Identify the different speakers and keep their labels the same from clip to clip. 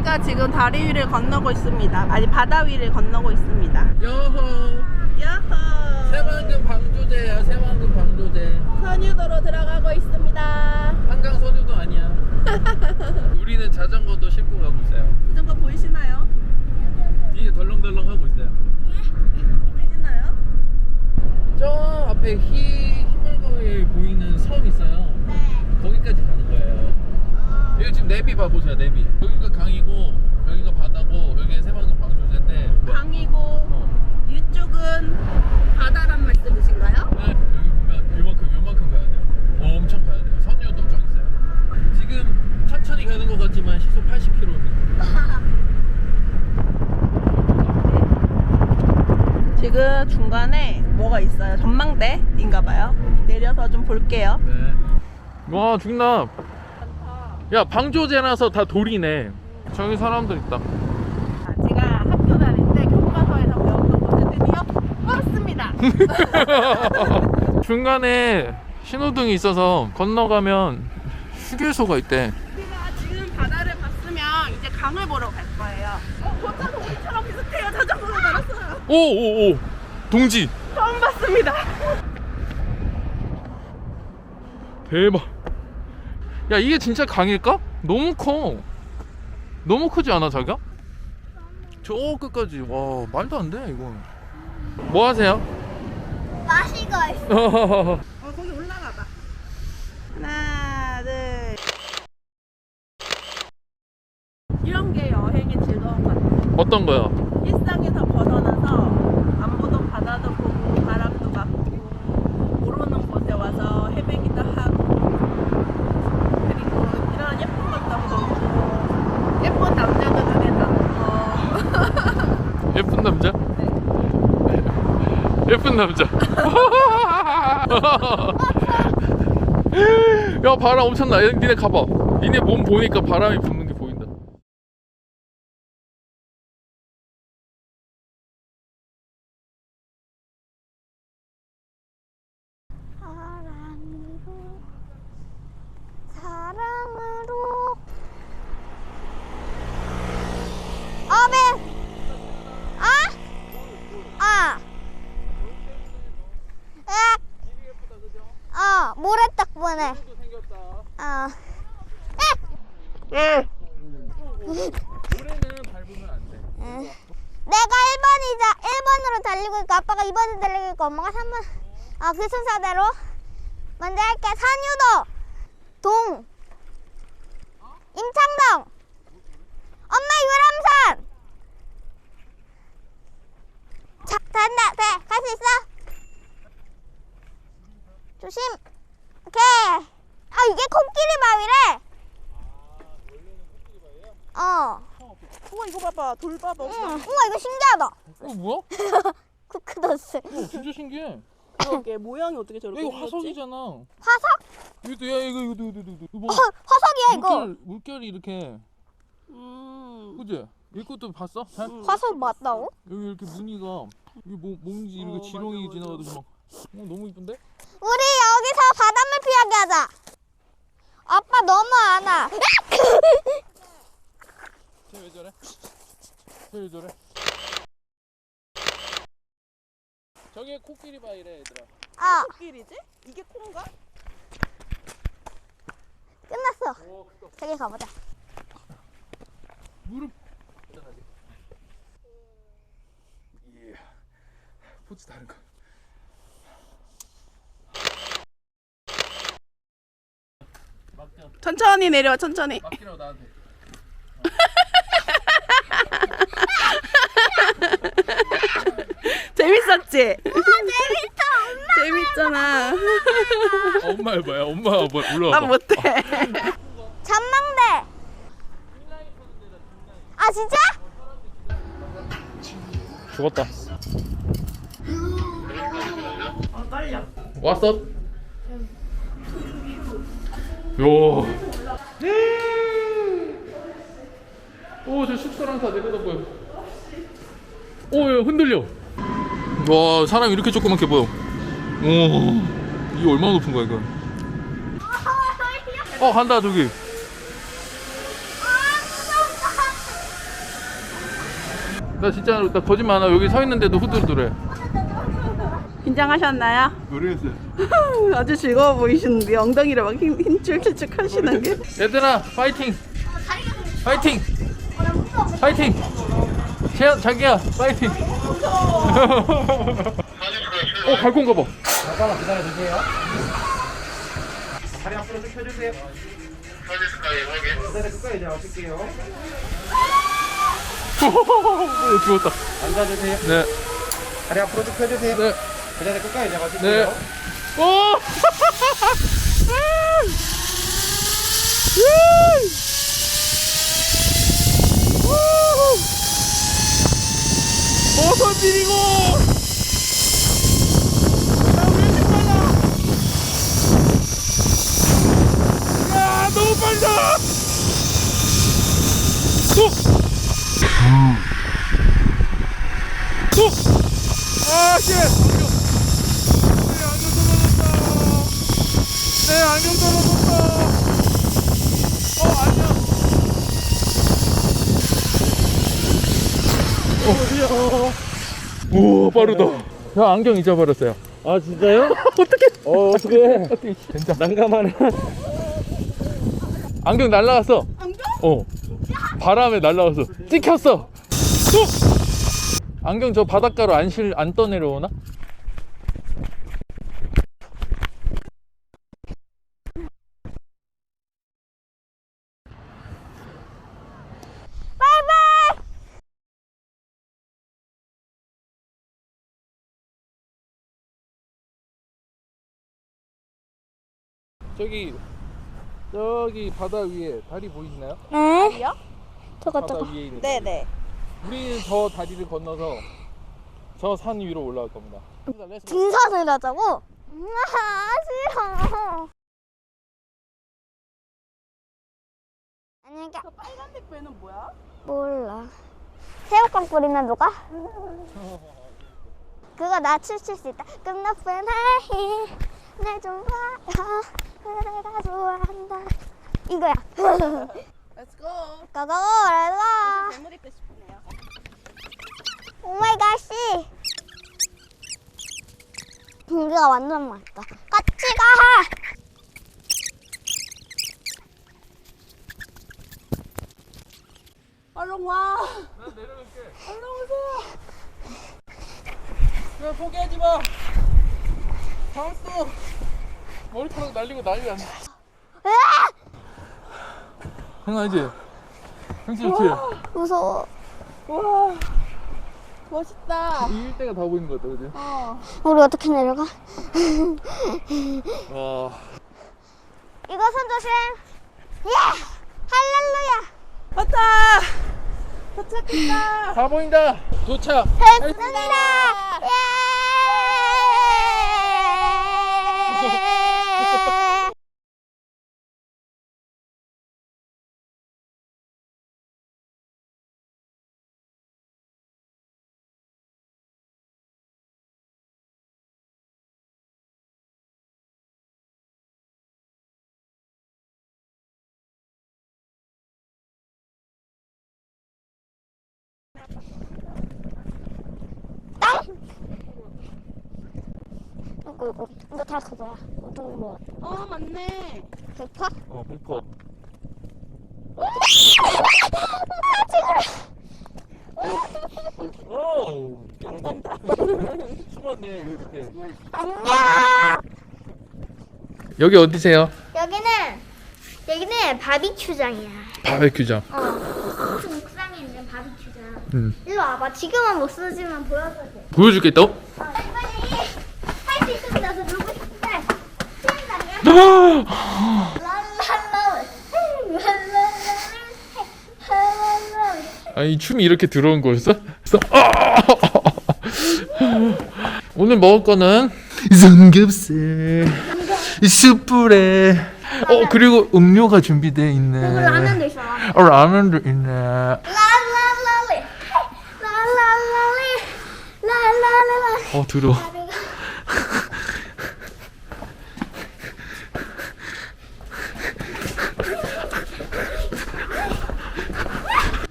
Speaker 1: 저희가 지금 다리 위를 건너고 있습니다. 아니 바다 위를 건너고 있습니다.
Speaker 2: 여호.
Speaker 1: 야호.
Speaker 2: 새만금 방조제예요. 새만금 방조제.
Speaker 1: 선유도로 들어가고 있습니다.
Speaker 2: 한강 선유도 아니야. 우리는 자전거도 싣고 가고 있어요.
Speaker 1: 자전거 보이시나요?
Speaker 2: 뒤에 덜렁덜렁 하고 있어요.
Speaker 1: 보이시나요?
Speaker 2: 저 앞에 희물거에 보이는 섬 있어요. 거기까지 가는 거예요. 여기 지금 내비 봐보세요. 내비. 여기가 강이고 여기가 바다고 여기가 새만금 방조제인데
Speaker 1: 강이고 이쪽은 바다란 말씀이신가요?
Speaker 2: 네, 여기 보면 요만큼 가야 돼요. 엄청 가야 돼요. 선유도 쪽 있어요. 지금 천천히 가는 것 같지만 시속 80km.
Speaker 1: 지금 중간에 뭐가 있어요? 전망대인가봐요. 내려서 좀 볼게요.
Speaker 2: 네. 와 죽나. 야 방조제라서 다 돌이네. 저기 사람들 있다.
Speaker 1: 제가 학교 다닐 때 교과서에서 배웠던 것을 드디어 봤습니다.
Speaker 2: 중간에 신호등이 있어서 건너가면 휴게소가 있대.
Speaker 1: 우리가 지금 바다를 봤으면 이제 강을 보러 갈 거예요. 도착 동기처럼 비슷해요. 자전거로 달았어요.
Speaker 2: 오오오 동지.
Speaker 1: 처음 봤습니다.
Speaker 2: 대박. 야 이게 진짜 강일까? 너무 커. 너무 크지 않아 자기야? 저 끝까지. 와 말도 안 돼 이건. 뭐 하세요?
Speaker 3: 마시고 있어.
Speaker 1: 거기 올라가 봐. 하나, 둘. 이런 게 여행의 즐거운 것 같아요.
Speaker 2: 어떤 거요?
Speaker 1: 일상에서 벗어나서 안 보던 바다도 보고 바람도 맞고 모르는 곳에 와서 헤매기도 하고 그리고 이런 예쁜 것도 보고 예쁜 남자도 눈에 담고
Speaker 2: 예쁜 남자? 예쁜 남자. 야 바람 엄청나. 니네 가봐. 니네 몸 보니까 바람이 부는 게 보인다.
Speaker 3: 사랑으로 어벤 모래 덕분에
Speaker 2: 모래는 밟으면 안 돼.
Speaker 3: 내가 1번으로 달리고 있고 아빠가 2번으로 달리고 있고 엄마가 3번 그 순서대로 먼저 할게. 산유도 동 임창동 엄마 유람선 자 된다 돼 갈 수 있어 조심 오케이 이게 코끼리 바위래
Speaker 1: 우와 이거 봐봐 돌 봐봐.
Speaker 3: 우와 이거 신기하다
Speaker 2: 뭐야?
Speaker 3: 쿠크더스
Speaker 2: 진짜 신기해.
Speaker 1: 그러게 모양이 어떻게 저렇게
Speaker 2: 이거
Speaker 1: 생겼지?
Speaker 2: 화석이잖아.
Speaker 3: 화석?
Speaker 2: 이것도 야 이거 뭐
Speaker 3: 화석이야 이거
Speaker 2: 물결이 이렇게.
Speaker 1: 음.
Speaker 2: 그지? 이것도 봤어? 잘?
Speaker 3: 화석 맞다고?
Speaker 2: 여기 이렇게 무늬가 이게 뭔지 이렇게 지렁이
Speaker 1: 맞아.
Speaker 2: 지나가듯이 막 너무 이쁜데?
Speaker 3: 우리 여기서 바닷물 피하게 하자. 아빠 너무 안 와.
Speaker 2: 쟤왜 저래? 쟤왜 저래? 저게 코끼리 바위래 얘들아.
Speaker 1: 코끼리지? 이게 콩가?
Speaker 3: 끝났어.
Speaker 2: 오 크다.
Speaker 3: 저기 가보자.
Speaker 2: 무릎 예. 포즈 다른 거.
Speaker 1: 천천히 내려와 천천히.
Speaker 2: 맡기라고 나한테.
Speaker 1: 재밌었지?
Speaker 3: 재밌어.
Speaker 1: 재밌잖아.
Speaker 2: 엄마 해봐요. 엄마 뭐 올라와.
Speaker 1: 난 못해.
Speaker 3: 전망대. 진짜?
Speaker 2: 죽었다.
Speaker 1: 떨려.
Speaker 2: 왔어? 요. 오, 저 숙소랑 다 내려다 보여. 오, 야, 흔들려. 와, 사람이 이렇게 조그맣게 보여. 오, 이게 얼마나 높은 거야, 이거? 간다, 저기. 나 진짜 나 거짓말 안 하고 여기 서 있는데도 후들후들해.
Speaker 1: 긴장하셨나요?
Speaker 2: 모르겠어요.
Speaker 1: 아주 즐거워 보이시는데 엉덩이를 막 힘 출출쭉 하시는 게.
Speaker 2: 얘들아 파이팅! 파이팅! 파이팅! 자기야 파이팅! 갈 건가 봐.
Speaker 4: 잠깐만 기다려주세요. 다리 앞으로 쭉 펴주세요. 기다려 끝까지 이제 와줄게요.
Speaker 2: 죽었다.
Speaker 4: 앉아주세요.
Speaker 2: 네.
Speaker 4: 다리 앞으로 쭉 펴주세요.
Speaker 2: 네.
Speaker 4: 그 자리 끝까지 이제
Speaker 2: 네.
Speaker 4: 와줄게요.
Speaker 2: 오! 버섯 비리고! 야, 너무 빨라! 아, 씨! 내 안경 떨어졌다. 안녕. 우와 빠르다. 야 안경 잊어버렸어요.
Speaker 4: 아 진짜요?
Speaker 2: 어떻게?
Speaker 4: 어떡해.
Speaker 2: 진짜.
Speaker 4: 난감하네.
Speaker 2: 안경 날라갔어.
Speaker 1: 안경?
Speaker 2: 바람에 날라갔어. 찍혔어. 안경 저 바닷가로 안 떠내려오나? 저기 바다 위에 다리 보이시나요?
Speaker 3: 네.
Speaker 1: 요
Speaker 3: 저거
Speaker 2: 바다
Speaker 3: 저거.
Speaker 2: 위에 있는.
Speaker 1: 네네.
Speaker 2: 우리는 저 다리를 건너서 저 산 위로 올라갈 겁니다.
Speaker 3: 등산을 하자고? 싫어. 아니
Speaker 1: 저 빨간색 배는 뭐야?
Speaker 3: 몰라. 새우깡 뿌리면 누가? 그거 나 춤출 수 있다. 끝나쁜 하이 내좀 봐요. 내가 좋아한다. 이거야.
Speaker 1: Let's go.
Speaker 3: 고고 렛츠고.
Speaker 1: 괴물 입고 싶네요.
Speaker 3: 오마이갓씨. 공기가 완전 맑다. 같이 가.
Speaker 1: 얼른 와.
Speaker 2: 난 내려갈게.
Speaker 1: 얼른 오세요.
Speaker 2: 그냥 포기하지 마. 다음도 머리카락 날리고 난리 안 나. 생각하지? 형씨 좋지?
Speaker 3: 무서워.
Speaker 1: 와. 멋있다.
Speaker 2: 이 일대가 다 보이는 것 같다, 그지?
Speaker 3: 우리 어떻게 내려가?
Speaker 2: 와.
Speaker 3: 이거 손 조심. 예! 할렐루야.
Speaker 1: 왔다. 도착했다.
Speaker 2: 다 보인다. 도착.
Speaker 3: 됐습니다. 예! 이거 다 그거야. 어떤 거?
Speaker 1: 맞네.
Speaker 3: 백퍼?
Speaker 2: 100%. 오, 숨었네 이렇게.
Speaker 3: 안녕.
Speaker 2: 여기 어디세요?
Speaker 3: 여기는 바비큐장이야.
Speaker 2: 바베큐장.
Speaker 3: 그 옥상에 있는 바비큐장. 일로 와봐. 지금은 못 쓰지만 보여도 돼.
Speaker 2: 보여주겠다.
Speaker 3: 빨리 할 수 있으면 나서 놀고 싶은데 수영장이야.
Speaker 2: 아이 춤이 이렇게 들어온 거였어? 오늘 먹을 거는 삼겹살, 숯불에 그리고 음료가 준비되어 있네.
Speaker 3: 그리고 라면도 있어.
Speaker 2: 라면도 있네.
Speaker 3: 랄랄랄리 랄랄랄리 랄랄랄라.
Speaker 2: 들어.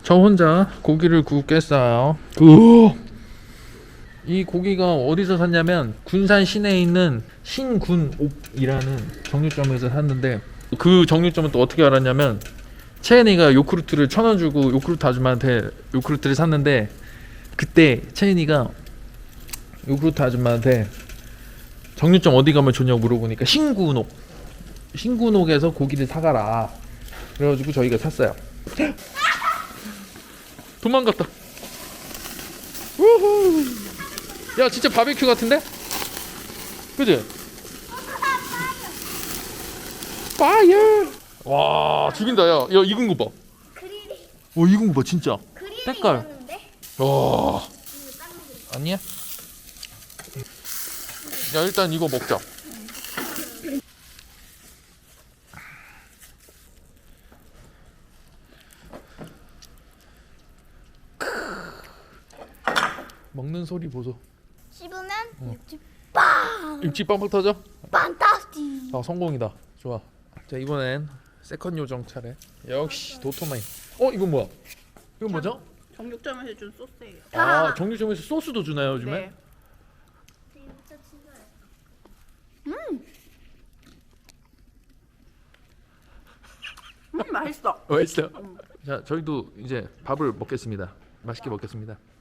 Speaker 2: 저 혼자 고기를 굽겠어요. 이 고기가 어디서 샀냐면 군산 시내에 있는 신군옥이라는 정육점에서 샀는데, 그 정육점은 또 어떻게 알았냐면 채은이가 요크루트를 1,000원 주고 요크루트 아줌마한테 요크루트를 샀는데, 그때 채은이가 요크루트 아줌마한테 정육점 어디 가면 좋냐고 물어보니까 신군옥에서 고기를 사가라 그래가지고 저희가 샀어요. 도망갔다. 우후. 야 진짜 바베큐 같은데? 그지? 파이어. 와 죽인다. 야 익은 거 봐. 익은 거 봐 진짜. 색깔. 와. 아니야? 야 일단 이거 먹자. 먹는 소리 보소.
Speaker 3: 씹으면 육즙
Speaker 2: 입지 빵빵 터져?
Speaker 3: 판타스틱.
Speaker 2: 아 성공이다. 좋아. 자 이번엔 세컨 요정 차례. 역시 도토마인. 이건 뭐야? 이건 뭐죠?
Speaker 1: 정육점에서 준 소스예요.
Speaker 2: 아 정육점에서 소스도 주나요 요즘에?
Speaker 1: 네. 맛있어.
Speaker 2: 맛있어요. 자 저희도 이제 밥을 먹겠습니다. 맛있게 먹겠습니다.